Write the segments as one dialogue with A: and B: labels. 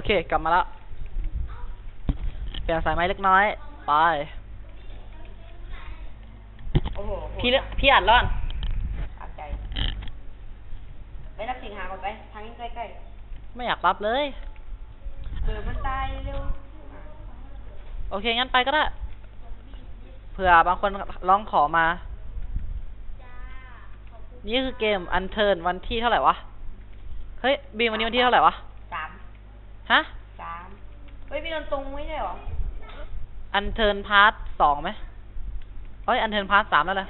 A: เคกลับมาแล้วเปลี่ยนสายไม้เล็กน้อยไป
B: โอ้โห
A: พี่อัดร้อน
B: อัดใจไปรับสิงหาก่อนไปทางนี้ใกล้
A: ไม่อยากรับเลย
B: มันตายเร็ว
A: โอเคงั้นไปก็ได้เผื่อบางคนร้องขอมานี่คือเกมอันเทิร์นวันที่เท่าไหร่วะเฮ้ยบีมวันนี้วันที่เท่าไหร่วะ
B: 3
A: ฮะ
B: เฮ้ยพี่นนท์ตรงไม่ใช่หรอ
A: อันเทิร์นพาร์ท2ไหมเฮ้ยอันเทิร์นพาร์ท3แล้วเลย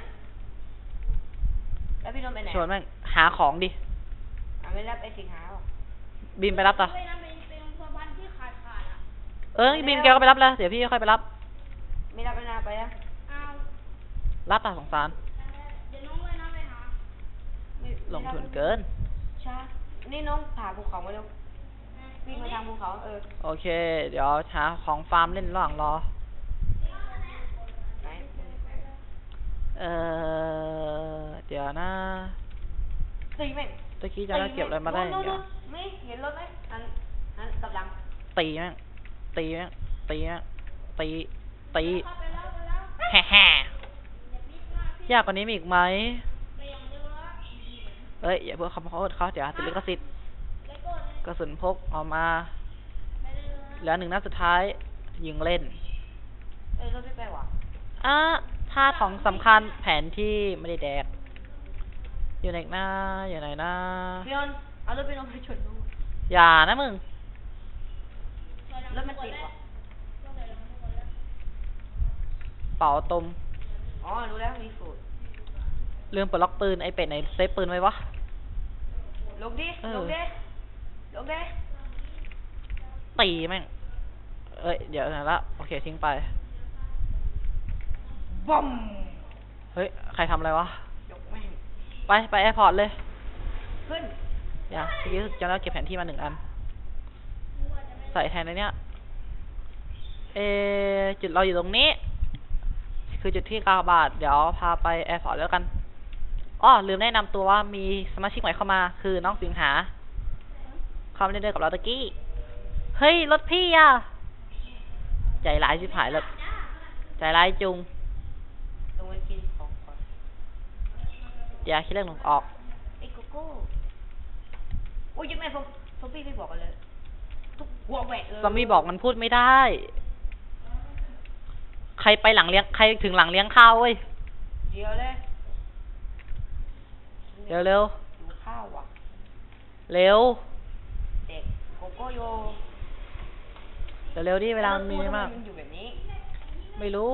B: แล้วพี่นนท์ไปไหน
A: ชวนแม่งหาของดิ
B: ไม่รับไอ้สิงหาหรอ
A: บีมไปรับต่อบีมแกก็ไปรับแล้วเดี๋ยวพี่ค่อยไปรับ
B: ไม่รับแล้วนะไปอ่ะ
A: รับอ่ะสงสารลงทุนเกิน
B: ช้านี่น้องผ่าภูเขามาเร็ววิ่งมาทางภูเขา
A: โอเคเดี๋ยวหาของฟาร์มเล่นระหว่างรอเดี๋ยวนะ
B: ตีแม่ง
A: ตะกี้จะได้เก็บอะไรมาได้อย่างเงี้ย
B: ไม่เห็นรถไหมอันกำลัง
A: ตีแม่งแฮ่ยากกว่านี้มีอีกไหมเฮ้ยอย่าเพิ่งเขาเดี๋ยวติดลิขสิทธิ์กระสุนพกออกมาแล้ว1 นัดสุดท้ายยิงเล่น
B: รถไม่ไปวะ
A: ท่าของสำคัญแผนที่ไม่ได้แดกอยู่ไหนนะ
B: พี่นนท์เอารถไปลงไปชนดู
A: อย่านะมึง
B: รถมันติดวะ
A: เป่าตม
B: รู้แล้วมีสูตร
A: ลืมปลดล็อกปืนไอเป็ดไหนเซฟปืนไว้วะ
B: ลงดิ
A: ตีแม่งเดี๋ยวนะละโอเคทิ้งไป
B: บอม
A: เฮ้ยใครทำอะไรวะ
B: ยกแม่ง
A: ไปแอร์พอร์ตเลย
B: ขึ้น
A: อย่าเมื่อกี้จะแล้วเก็บแผนที่มา1 อันใส่แทนในเนี้ยจุดเราอยู่ตรงนี้คือจุดที่9 บาทเดี๋ยวพาไปแอร์พอร์ตแล้วกันลืมแนะนำตัวว่ามีสมาชิกใหม่เข้ามาคือน้องสิงหาเข้ามาเล่นด้วยกับเราตะกี้เฮ้ยรถพี่อะใจร้ายชิบหายเลยใจร้ายจุง
B: ลงไปกินของก่อน
A: อย่าคิดเรื่องหลงออก
B: ไอ้โกโก้โอ้ยยังไงซอมบี้ไม่บอกกันเลยทุกหัวแหวกเลย
A: ซอมบี้บอกมันพูดไม่ได้ใครถึงหลังเลี้ยงข้าวเว้ย
B: เดี๋ยวเลย
A: เร็ว
B: ดูข้าวว่ะ
A: เร็ว
B: เด็กโกโก้โย
A: เร็วดิเวลามีมาก
B: อยู่แบบนี้
A: ไม่รู้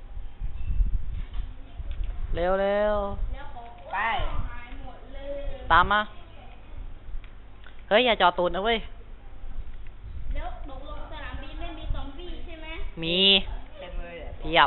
A: เร็ว
B: ไป
A: ตามมาเฮ้ยอย่าจอตูนนะเว้ย
C: แล้วตกลงสนามบินไม่มีซอมบี้ใช่ไหม
A: มี
B: เต็มเลย
A: เพียบ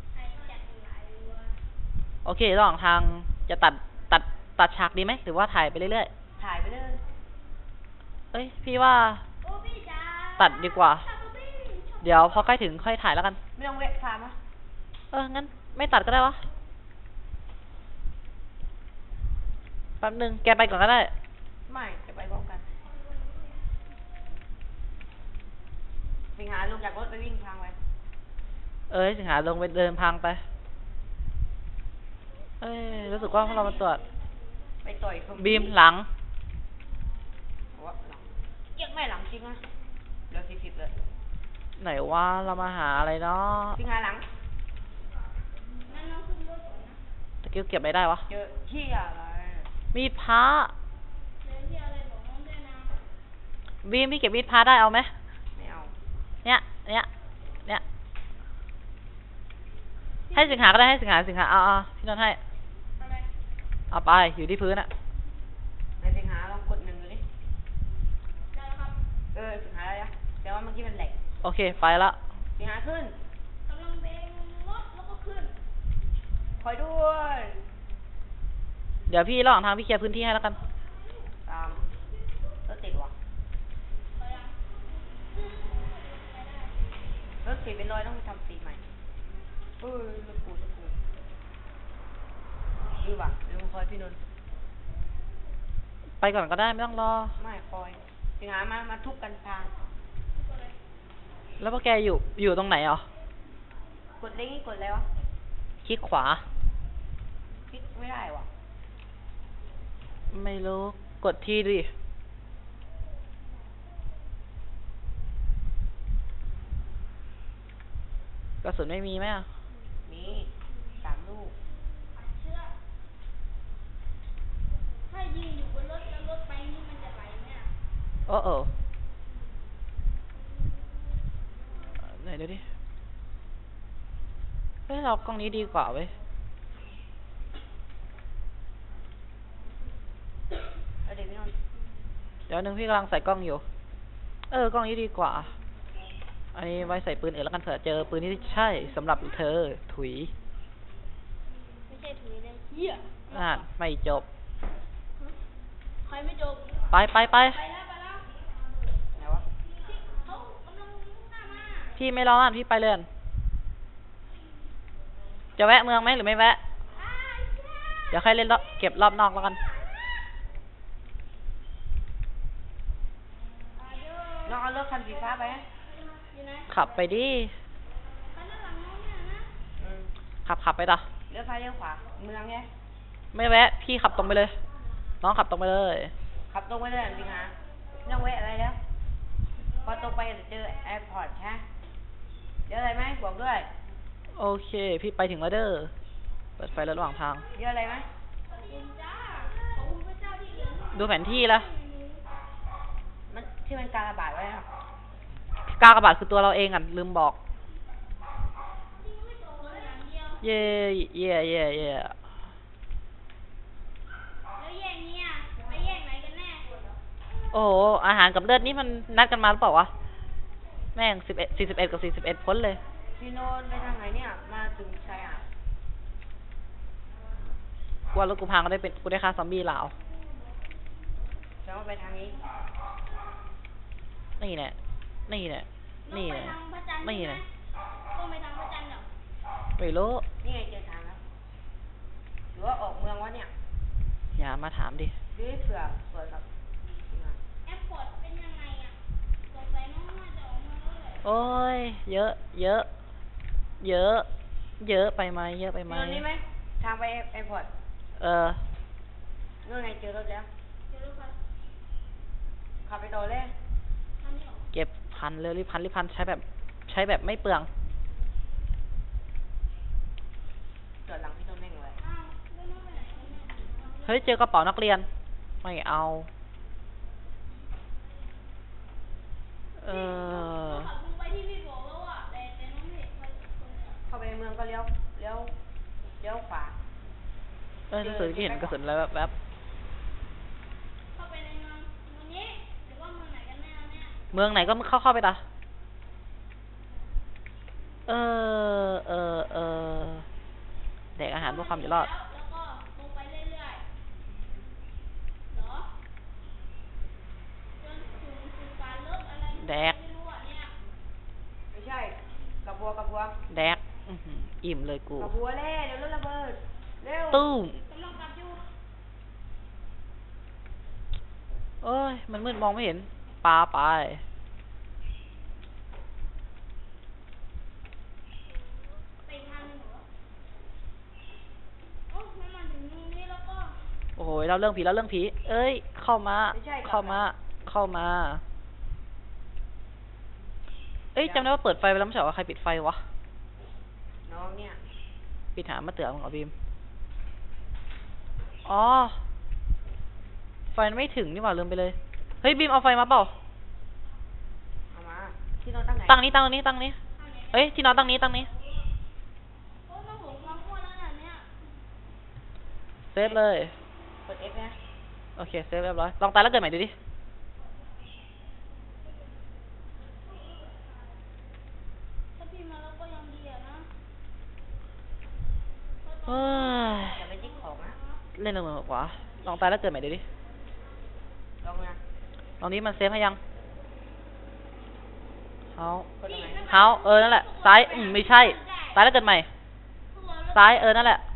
A: โอเคระหว่างทางจะตัดฉากดีไหมหรือว่าถ่ายไปเรื่อย
B: ถ่ายไปเลย
A: พี่ว่าตัดดีกว่าเดี๋ยวพอใกล้ถึงค่อยถ่ายแล้วกัน
B: ไม่ต้องเวทฟาร์ม
A: งั้นไม่ตัดก็ได้วะแป๊บนึงแกไปก่อนก็ได้
B: ไม่จะไปพร้อมกันสิงหาลงจากรถไปวิ่งทางไป
A: สิงหาลงไปเดินพังไปรู้สึกว่าพวกเรามาตรวจ
B: ไปต่อย
A: บีมหลัง
B: เก็บไม่หลังจริงนะเหลือ40เลย
A: ไหนว่าเรามาหาอะไรเนาะ
B: สิงหาหลัง
A: ตะกี้เก็บไม่ได้วะ
B: เจอที่อะไร
A: มีดพระบีมพี่เก็บมีดพระได้เอาไหม
B: ไม่เอา
A: เนี่ยให้สิงหาก็ได้ให้สิงหาเอาพี่นนท์ให้เอาไปอยู่ที่พื้นอะ
B: ในสิงหาลองกด1ดูดิได้ครับสิงหาได้แล้วแต่ว่าเมื่อกี้มันแหลก
A: โอเคไปละ
B: สิงหาขึ้น
C: กำลังเบงรถแล้วก็ขึ้น
B: คอยด้วย
A: เดี๋ยวพี่ระหว่างทางพี่เคลียร์พื้นที่ให้แล้วกัน
B: ตามรถติดว่ะรถติดเป็นรอยต้องทำสีใหม่รถกูดูว่ะดูคอยพี่นนท์
A: ไปก่อนก็ได้ไม่ต้องรอ
B: ไม่คอยสิงหามาทุบกันทาง
A: แล้วพวกแกอยู่ตรงไหนอ่ะ
B: กดเล็กนี่กดอะไรวะ
A: คลิกขวา
B: คลิกไม่ได้วะ
A: ไม่รู้ กดที่ดิ กระสุนไม่มีไหมอ่ะ
B: มี3 ลูก
C: เชื่อถ้ายิงอยู่บนรถแล้วรถไปนี่มันจะไหลไหมอ่ะ
A: โอ้โอ้ไหนดูดิ เฮ้ยเรากล้องนี้ดีกว่าเว้ย
B: แล้วเดี๋ยวพี่นนท์
A: เดี๋ยวนึงพี่กำลังใส่กล้องอยู่ กล้องนี้ดีกว่า อันนี้ไว้ใส่ปืนอื่นแล้วกันเผื่อเจอปืนที่ใช่สำหรับเธอ ถุย
C: ไม่ใช่ถุยเลยเหี้ย
A: อ่านไม่จบ
C: ใครไม่จบ
A: ไป
C: ไปแล้ว
B: ไหนวะ
C: เขากำลังมุ่งหน้ามา
A: พี่ไม่รออ่านพี่ไปเลยอั่นจะแวะเมืองไหมหรือไม่แวะ เดี๋ยวใครเล่นรอบเก็บรอบนอกแล้วกัน
B: น้องเอารถคันสีฟ้าไปนะ
C: อยู่ไหน
A: ขับไปดิ
C: คันด้านหลังน้องเนี่ยนะ
B: อืม
A: ขับไปต่อ
B: เลี้ยวซ้ายเลี้ยวขวา เมืองไง
A: ไม่แวะ พี่ขับตรงไปเลย น้องขับตรงไปเลย
B: ขับตรงไปเลยจริงฮะไม่ต้องแวะอะไรแล้ว พอตรงไปจะเจอแอร์พอร์ตฮะเดี๋ยวอะไรไหมบอกด้วย
A: โอเค พี่ไปถึงแล้วเด้อ เปิดไฟระหว่างทาง
B: เดี๋ยวอะไรไหม
C: ขอบคุณจ้าขอบคุณพระเจ้าที่เหลือ
A: ดูแผนที่ละ
B: มันที่มันการระบาดไว้อะ
A: กากบาทคือตัวเราเองอ่ะ ลืมบอก
C: อย่างเดียว
A: เย่
C: แล้วแยกเนี่ยไปแยกไหนกันแน่
A: โอ้โห อาหารกับเลือดนี่มันนัดกันมาหรือเปล่าวะ แม่ง41กับ41พ้นเลย
B: พี่โนนไปทางไหนเนี่ย มาถึงชายหาด
A: กลัวรถกูพังก็ได้เป็นกูได้ฆ่าซอมบี้ลาว
B: จะว่าไปทางนี้
A: นี่แหละ นี่แหละ นี่
C: ไป
A: แหละ
C: ทางพระจันทร์
A: นี่
C: ใช่ไหม
A: แหละ
C: ต้องไปทางพระจันทร์เหรอ
A: ไม่รู้
B: นี่ไงเจอทางแล้ว หรือว่าออกเมืองวะเนี่ย
A: อย่ามาถามดิ
B: หรือเผื่อกับ
C: แอร์พอร์ตเป็นยังไงอ่ะสงสัยน้องน่าจะออกมาแล้วแหละ
A: โอ้ย เยอะไปไหม เยอะไปไหม
B: พี่โนนนี่ไหม ทางไปแอร์พอร์ตนู่นไงเจอรถแล้ว
C: เดี๋ยวรถไฟ
B: ขับไปต่อเลย
C: ทางนี้เหรอ
A: เก็บพันเลยรีบพันใช้แบบไม่เปลือง
B: จอดหลังพี่โนนแม่งเลย
C: อ้าวแล้วน้องไปไหนกันเนี่ย
A: เฮ้ย เจอกระเป๋านักเรียน ไม่เอา
C: เขาขับลงไปที่พี่บอกแล้วอ่ะแต่น้องไม่เห็นใครสักคนเลยอะ
B: เข้าไปในเมืองก็เลี้ยวขวา
A: หนังสือที่เห็นกระสุนแล้วแบบ
C: เข้าไปในเมืองนี้หรือว่าเมืองไหนกันแน่เนี่ย
A: เมืองไหนก็เข้าไปตาแดกอาหารเพื่อความอยู่รอด
C: แล้วก็ลงไปเรื่อยๆเหรอจนถึงการเลิกอะไร
A: แดก
C: ไม่รู้อ่ะเนี่ย
B: ไม่ใช่กระบัว
A: แดก อื้อหืออิ่มเลยกู
B: กระบัวเล่เดี๋ยวรถระเบิด เร็ว
A: ตุ้ม
C: กำลังกลับอยู่
A: เอ้ย มันมืดมองไม่เห็น ปลาไป
C: ไปอีกทางหนึงเหรอโอ้มันมาถึงตรงนี้แล้วก็
A: โอ้โหเราเรื่องผี เอ้ย เข้ามา เอ้ยจำได้ว่าเปิดไฟไปแล้วไม่ใช่เหรอว่าใครปิดไฟวะ
B: น้องเนี่ย
A: ปิดหามาเตือนมึงเหรอบีม อ๋อ ไฟมันไม่ถึงนี่หว่าลืมไปเลย เฮ้ยบีมเอาไฟมาเปล่า
B: เอามา ที่นอนตั้งไหน
A: ตั้งนี้
C: ทางไหนกัน
A: เอ้ย ที่นอนตั้งนี้
C: โอ้น้องหลงความอ้วนแล้วน่ะเนี่ย
A: เซฟเลย
B: กด F นะ
A: โอเค เซฟเรียบร้อย ลองตายแล้วเกิดใหม่ดูดิ
C: ถ้าพี่มาแล้วก็ยังดีอะนะ
A: เฮ้ย
B: อย่าไปจิ๊กของนะ
A: เล่นเรื่องกว่า ลองตายแล้วเกิดใหม่ดูดิ
B: ลองนะ
A: ลองนี้มันเซฟให้ยังเฮาก
B: ดตรงไหน
A: นั่นแหละ ซ้าย ไม่ใช่ ตายแล้วเกิดใหม่ ซ้าย นั่นแหละ